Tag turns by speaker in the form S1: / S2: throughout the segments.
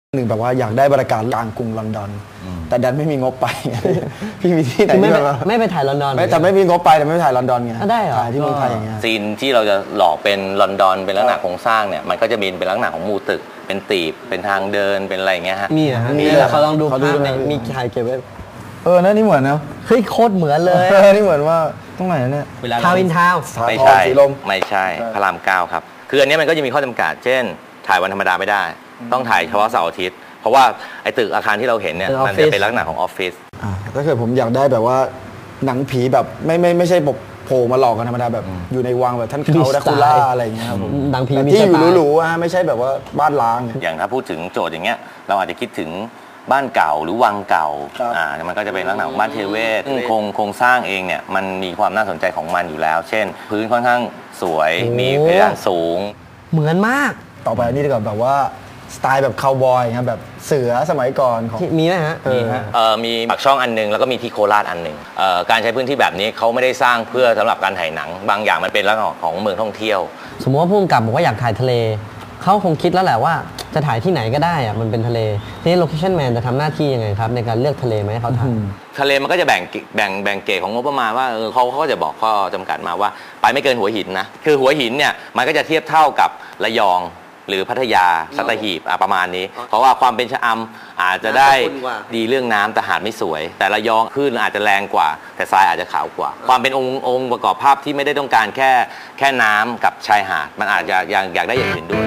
S1: หนึ่งแบบว่าอยากได้บรรยากาศกลางกรุงลอนดอนแต่ดันไม่มีงบไปพี่มีที่ไหนที่
S2: ไม่ไปถ่ายลอนดอน
S1: แต่ไม่มีงบไปแต่ไม่ไปถ่ายลอนดอนไง
S2: ได้เหรอ
S1: ถ่ายที่เมืองไทยอย่างเงี้ย
S3: ซีนที่เราจะหลอกเป็นลอนดอนเป็นลักษณะโครงสร้างเนี่ยมันก็จะมีเป็นลักษณะของมูตึกเป็นตีบเป็นทางเดินเป็นอะไรอย่างเงี้ยฮะ
S2: มีเหรอมีเขาลองดูภาพมีถ่ายเก็บไว้
S1: นั่นนี่เหมือนนะ
S2: เฮ้ยโคตรเหมือนเลย
S1: นี่เหมือนว่าตรงไหนเนี่ย
S2: ทาวน์อินทาวน์
S3: ไม่ใช่ไม่ใช่พระราม9ครับคืออันนี้มันก็จะมีข้อจำกัดเช่นถ่ายวันธรรมดาไม่ได้ต้องถ่ายเฉพาะเสาร์อาทิตย์เพราะว่าไอ้ตึกอาคารที่เราเห็นเนี่ยมันจะเป็นลักษณะของออฟฟิศ
S1: ถ้าเกิดผมอยากได้แบบว่าหนังผีแบบไม่ใช่แบบโผล่มาหลอกกันธรรมดาแบบอยู่ในวังแบบท่านเขาดาคูล่าอะไรอย่างเงี้ยครับผม
S2: หนังผี
S1: ที่อยู่หรูๆไม่ใช่แบบว่าบ้านล้าง
S3: อย่างถ้าพูดถึงโจทย์อย่างเงี้ยเราอาจจะคิดถึงบ้านเก่าหรือวังเก่ามันก็จะเป็นลักษณะของบ้านเทเวศโครงสร้างเองเนี่ยมันมีความน่าสนใจของมันอยู่แล้ว เช่นพื้นค่อนข้างสวยมีเพดานสูง
S2: เหมือนมาก
S1: ต่อไปนี่ดีกว่าแบบว่าสไตล์แบบคาวบอยครับแบบเสือสมัยก่อนของ
S2: มีไหมฮะ
S3: มีปากช่องอันนึงแล้วก็มีที่โคราชอันนึงการใช้พื้นที่แบบนี้เขาไม่ได้สร้างเพื่อสำหรับการถ่ายหนังบางอย่างมันเป็นลักษณะของเมืองท่องเที่ยว
S2: สมมติว่าผู้กำกับบอกว่าอยากถ่ายทะเลเขาคงคิดแล้วแหละว่าจะถ่ายที่ไหนก็ได้อะมันเป็นทะเลทีนี้โลเคชั่นแมนจะทำหน้าที่ยังไงครับในการเลือกทะเลไหมเขาถ่าย
S3: ทะเลมันก็จะแบ่งเกรดของงบประมาณว่าเขาก็จะบอกข้อจำกัดมาว่าไปไม่เกินหัวหินนะคือหัวหินเนี่ยมันก็จะเทียบเท่ากับระยองหรือพัทยาสัตหีบประมาณนี้เพราะว่าความเป็นชะอำอาจจะได้ดีเรื่องน้ำแต่หาดไม่สวยแต่ระยองคลื่นอาจจะแรงกว่าแต่ทรายอาจจะขาวกว่าความเป็นองค์ประกอบภาพที่ไม่ได้ต้องการแค่น้ำกับชายหาดมันอาจจะอยากได้อย่างอื่นด้วย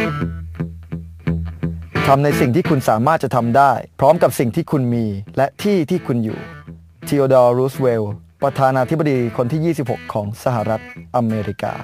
S1: ทำในสิ่งที่คุณสามารถจะทำได้พร้อมกับสิ่งที่คุณมีและที่คุณอยู่ทีโอดอร์ รูสเวลล์ประธานาธิบดีคนที่ 26 ของสหรัฐอเมริกา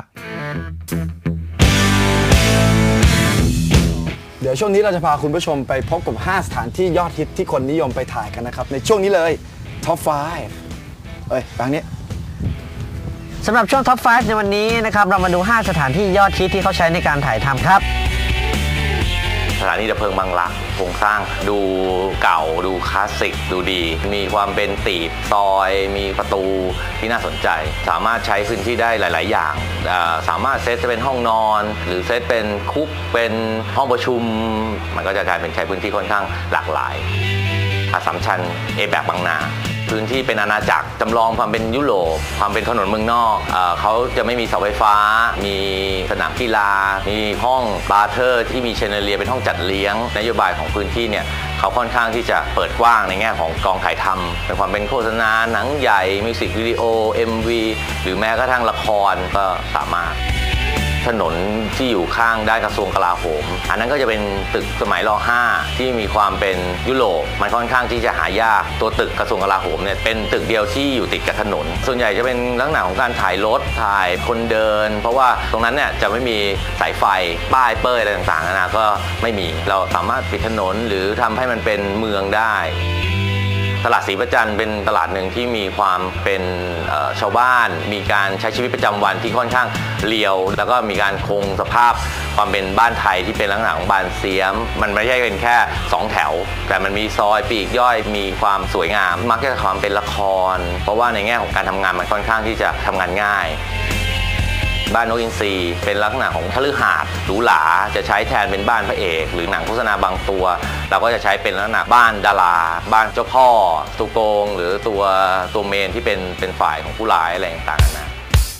S1: เดี๋ยวช่วงนี้เราจะพาคุณผู้ชมไปพบกับ5สถานที่ยอดฮิตที่คนนิยมไปถ่ายกันนะครับในช่วงนี้เลยท็อป 5บางนี้
S2: สำหรับช่วงท็อป 5 ในวันนี้นะครับเรามาดู5สถานที่ยอดฮิตที่เขาใช้ในการถ่ายทำครับ
S3: สถานีดับเพลิงบางรักโครงสร้างดูเก่าดูคลาสสิกดูดีมีความเป็นตีบซอยมีประตูที่น่าสนใจสามารถใช้พื้นที่ได้หลายๆอย่างสามารถเซตจะเป็นห้องนอนหรือเซตเป็นคุกเป็นห้องประชุมมันก็จะกลายเป็นใช้พื้นที่ค่อนข้างหลากหลายอัสสัมชัญแบบบางนาพื้นที่เป็นอาณาจักรจำลองความเป็นยุโรปความเป็นถนนเมืองนอกเขาจะไม่มีเสาไฟฟ้ามีสนามกีฬามีห้องบาร์เทอร์ที่มีเชนเดอเลียเป็นห้องจัดเลี้ยงนโยบายของพื้นที่เนี่ยเขาค่อนข้างที่จะเปิดกว้างในแง่ของกองถ่ายทำเป็นความเป็นโฆษณาหนังใหญ่มิวสิกวิดีโอ MV หรือแม้กระทั่งละครก็สามารถถนนที่อยู่ข้างด้านกระทรวงกลาโหมอันนั้นก็จะเป็นตึกสมัยร.5 ที่มีความเป็นยุโรปมันค่อนข้างที่จะหายากตัวตึกกระทรวงกลาโหมเนี่ยเป็นตึกเดียวที่อยู่ติดกับถนนส่วนใหญ่จะเป็นลักษณะของการถ่ายรถถ่ายคนเดินเพราะว่าตรงนั้นเนี่ยจะไม่มีสายไฟป้ายเป้ยอะไรต่างๆนะก็ไม่มีเราสามารถปิดถนนหรือทำให้มันเป็นเมืองได้ตลาดศรีประจันเป็นตลาดหนึ่งที่มีความเป็นชาวบ้านมีการใช้ชีวิตประจำวันที่ค่อนข้างเรียวแล้วก็มีการคงสภาพความเป็นบ้านไทยที่เป็นลักษณะของบ้านเสียมมันไม่ใช่เป็นแค่2แถวแต่มันมีซอยปีกย่อยมีความสวยงามมักจะความเป็นละครเพราะว่าในแง่ของการทำงานมันค่อนข้างที่จะทำงานง่ายบ้านนกอินทรีเป็นลักษณะของคฤหาสน์หรูหราจะใช้แทนเป็นบ้านพระเอกหรือหนังโฆษณาบางตัวเราก็จะใช้เป็นลักษณะบ้านดาราบ้านเจ้าพ่อตัวโกงหรือตัวเมนที่เป็นฝ่ายของผู้ร้ายอะไรต่างๆนะ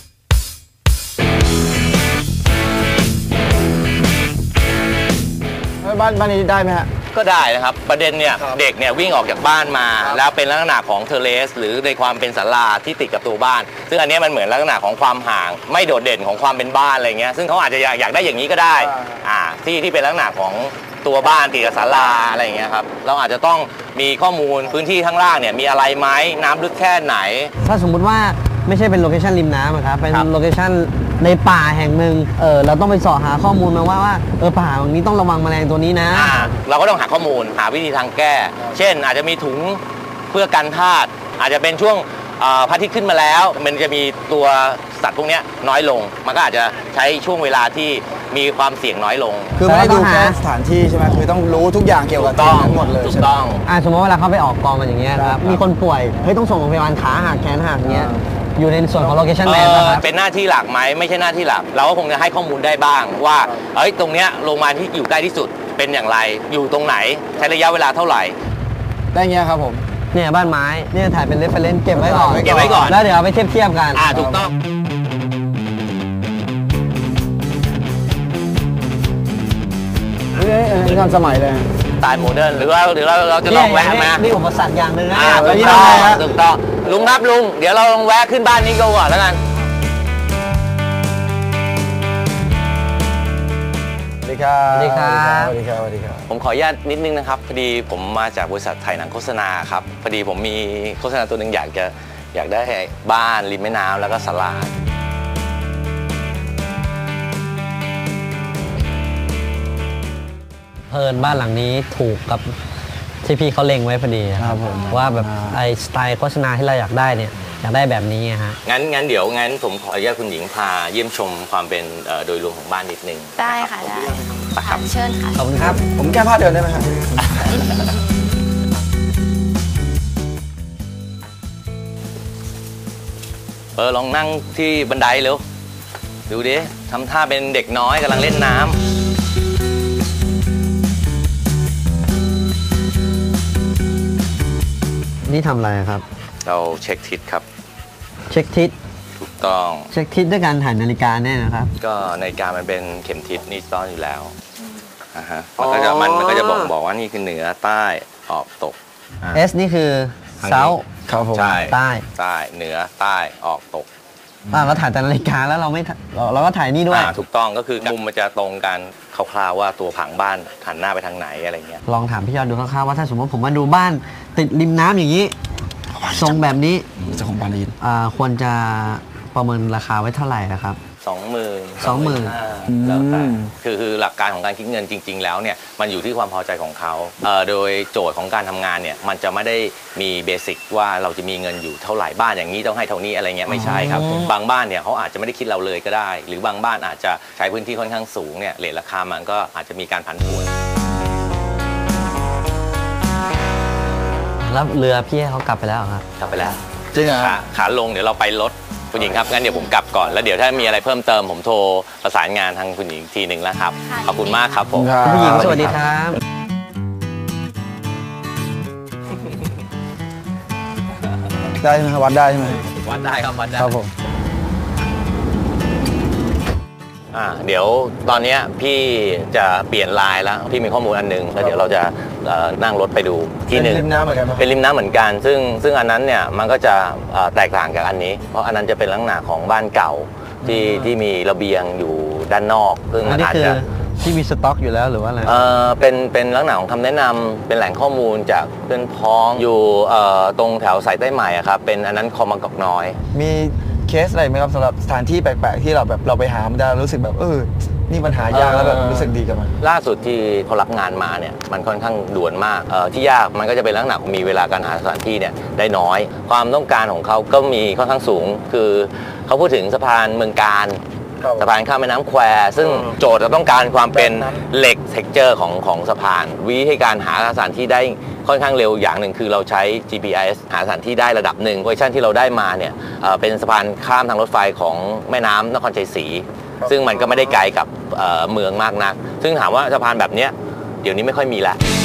S1: บ้านนี้ได้ไหมฮะ
S3: ก็ได้นะครับประเด็นเนี่ยเด็กเนี่ยวิ่งออกจากบ้านมาแล้วเป็นลักษณะของเทอร์เลสหรือในความเป็นศาลาที่ติดกับตัวบ้านซึ่งอันนี้มันเหมือนลักษณะของความห่างไม่โดดเด่นของความเป็นบ้านอะไรเงี้ยซึ่งเขาอาจจะอยากได้อย่างนี้ก็ได้ที่เป็นลักษณะของตัวบ้านติดกับศาลาอะไรเงี้ยครับเราอาจจะต้องมีข้อมูลพื้นที่ข้างล่างเนี่ยมีอะไรไหมน้ำลึกแค่ไหน
S2: ถ้าสมมุติว่าไม่ใช่เป็นโลเคชั่นริมน้ำครับเป็นโลเคชั่นในป่าแห่งหนึ่งเราต้องไปเสาะหาข้อมูลมาว่าป่าตรงนี้ต้องระวังแมลงตัวนี้นะ
S3: เราก็ต้องหาข้อมูลหาวิธีทางแก้เช่นอาจจะมีถุงเพื่อกันธาตุอาจจะเป็นช่วงพระอาทิตย์ขึ้นมาแล้วมันจะมีตัวสัตว์พวกนี้น้อยลงมันก็อาจจะใช้ช่วงเวลาที่มีความเสี่ยงน้อยลง
S1: คือไม่ได้ดูแค่สถานที่ใช่ไหมคือต้องรู้ทุกอย่างเกี่ยวกับ
S3: ต้อง
S1: หมดเลย
S3: ถูกต้อง
S2: สมมติเวลาเขาไปออกกองกันอย่างเงี้ยครับมีคนป่วยต้องส่งโรงพยาบาลขาหักแขนหักเงี้ยอยู่ในส่วนของโลเคชั่นแมนนะครับ
S3: เป็นหน้าที่หลักไหมไม่ใช่หน้าที่หลักเราก็คงจะให้ข้อมูลได้บ้างว่าตรงเนี้ยโรงพยาบาลที่อยู่ใกล้ที่สุดเป็นอย่างไรอยู่ตรงไหนใช้ระยะเวลาเท่าไหร่
S1: ได้เงี้ยครับผม
S2: เนี่ยบ้านไม้เนี่ยถ่ายเป็นเรฟเฟรนซ์เก็บไว้ก่อน
S3: เก็บไว้ก่อน
S2: แล้วเดี๋ยวเอาไปเทียบกัน
S3: ถูกต้อง
S1: นี่ทันสมัยเลย
S3: สไตล์โมเดิร์นหรือว่าเราจะลองแวะมา
S2: นี่อุปสรรคอย่างหนึ่งนะ
S3: ถูกต้องถูกต้องลุงครับลุงเดี๋ยวเราลองแวะขึ้นบ้านนี้ก่อนแล้วกัน
S1: สวัสดีครับ
S2: สวัสดีครับ
S1: สวัสดีครับสวัสดีครับ
S3: ผมขออนุญาตนิดนึงนะครับพอดีผมมาจากบริษัทถ่ายหนังโฆษณาครับพอดีผมมีโฆษณาตัวหนึ่งอยากได้บ้านริมแม่น้ำแล้วก็ศาลา
S2: เพิ่นบ้านหลังนี้ถูกกับที่พี่เขาเล็งไว้พอดี
S1: ครับผม
S2: ว่าแบบไอสไตล์โฆษณาที่เราอยากได้เนี่ยอยากได้แบบนี้ฮะ
S3: งั้นเดี๋ยวผมขออนุญาตคุณหญิงพาเยี่ยมชมความเป็นโดยรวมของบ้านนิดนึง
S4: ได้ค่ะได้
S3: ไปครับ
S4: เชิญค่ะ
S2: ขอบคุณครับ
S1: ผมแก้ผ้าเดินได้ไหมครับ
S3: ลองนั่งที่บันไดเร็วดูดิทำท่าเป็นเด็กน้อยกำลังเล่นน้ำ
S2: นี่ทำอะไรครับ
S3: เราเช็คทิศครับ
S2: เช็คทิศ
S3: ถูกต้อง
S2: เช็คทิศด้วยการถ่ายนาฬิกาแน่นะครับ
S3: ก็นาฬิกามันเป็นเข็มทิศนี่ต้อนอยู่แล้วฮะมันก็จะบอกว่านี่คือเหนือใต้ออกตก
S2: S นี่คือเซา
S1: ครับผม
S3: ใช่
S2: ใต้
S3: ใต้เหนือใต้ออกตก
S2: เราถ่ายแต่นาฬิกาแล้วเราไม่ถ่ายเราก็ถ่ายนี่ด้วย
S3: ถูกต้องก็คือมุมมันจะตรงกันคร่าวๆว่าตัวผังบ้านหันหน้าไปทางไหนอะไรเงี้ย
S2: ลองถามพี่ยอดดูคร่าวๆว่าถ้าสมมติผมมาดูบ้านติดริมน้ำอย่างนี้ ทรงแบบนี้
S1: เจ้าของบ้านได้ยิน
S2: ควรจะประเมินราคาไว้เท่าไหร่นะครับ
S3: 20,000 แล้วแต่คือหลักการของการคิดเงินจริง ๆ แล้วเนี่ยมันอยู่ที่ความพอใจของเขาโดยโจทย์ของการทำงานเนี่ยมันจะไม่ได้มีเบสิกว่าเราจะมีเงินอยู่เท่าไหร่บ้านอย่างนี้ต้องให้เท่านี้อะไรเงี้ยไม่ใช่ครับบางบ้านเนี่ยเขาอาจจะไม่ได้คิดเราเลยก็ได้ หรือบางบ้านอาจจะใช้พื้นที่ค่อนข้างสูงเนี่ยเรทราคามันก็อาจจะมีการผันผวน
S2: แล้วเรือพี่ให้เขากลับไปแล้วเหรอครับ
S3: กลับไปแล้ว
S1: จริงเหรอ
S3: ขาลงเดี๋ยวเราไปรถคุณหญิงครับงั้นเดี๋ยวผมกลับก่อนแล้วเดี๋ยวถ้ามีอะไรเพิ่มเติมผมโทรประสานงานทางคุณหญิงทีหนึ่งแล้วครับขอบคุณมากครับผม
S2: ผู้หญิงสวัสดีครับ
S1: ได้ไหมครับวัดได้ใช่ไหม
S3: วัดได้ครับวัดได้
S1: ครับผม
S3: เดี๋ยวตอนนี้พี่จะเปลี่ยนไลน์แล้วพี่มีข้อมูลอันหนึงแล้วเดี๋ยวเราจะนั่งรถไปดูที่หนึ่ง
S1: เป็นริมน้ำเหมือนกันไหม
S3: เป็นริมน้ำเหมือนกันซึ่งอันนั้นเนี่ยมันก็จะแตกต่างจากอันนี้ เพราะอันนั้นจะเป็นลักษณะของบ้านเก่าที่มีระเบียงอยู่ด้านนอกซึ่ง
S2: อั
S3: มัน น
S2: นี้
S3: อาจ
S2: คือ
S3: จะ
S2: ที่มีสต็อกอยู่แล้วหรือว่าอะไร
S3: เป็นลักษณะของคำแนะนำเป็นแหล่งข้อมูลจากเพื่อนพ้องอยู่ตรงแถวสายใต้ใหม่อะครับเป็นอันนั้นคลองบางกอกน้อย
S1: มีเคสอะไรไหมครับสำหรับสถานที่แปลกๆที่เราแบบเราไปหามันจะรู้สึกแบบนี่ปัญหายากแล้วแบบรู้สึกดีกับมัน
S3: ล่าสุดที่เขารับงานมาเนี่ยมันค่อนข้างด่วนมากที่ยากมันก็จะเป็นลักษณะมีเวลาการหาสถานที่เนี่ยได้น้อย ความต้องการของเขาก็มีค่อนข้างสูง คือเขาพูดถึงสะพานเมืองการ
S1: ครับ
S3: สะพานข้ามแม่น้ำแควซึ่งโจทย์เราต้องการความเป็นเหล็กเท็กเจอร์ของสะพานวิธีการหาสถานที่ได้ค่อนข้างเร็วอย่างหนึ่งคือเราใช้ GPS หาสถานที่ได้ระดับหนึ่งเวอร์ชันที่เราได้มาเนี่ยเป็นสะพานข้ามทางรถไฟของแม่น้ำนครชัยศรีซึ่งมันก็ไม่ได้ไกลกับเมืองมากนักซึ่งถามว่าสะพานแบบเนี้ยเดี๋ยวนี้ไม่ค่อยมีแล้ว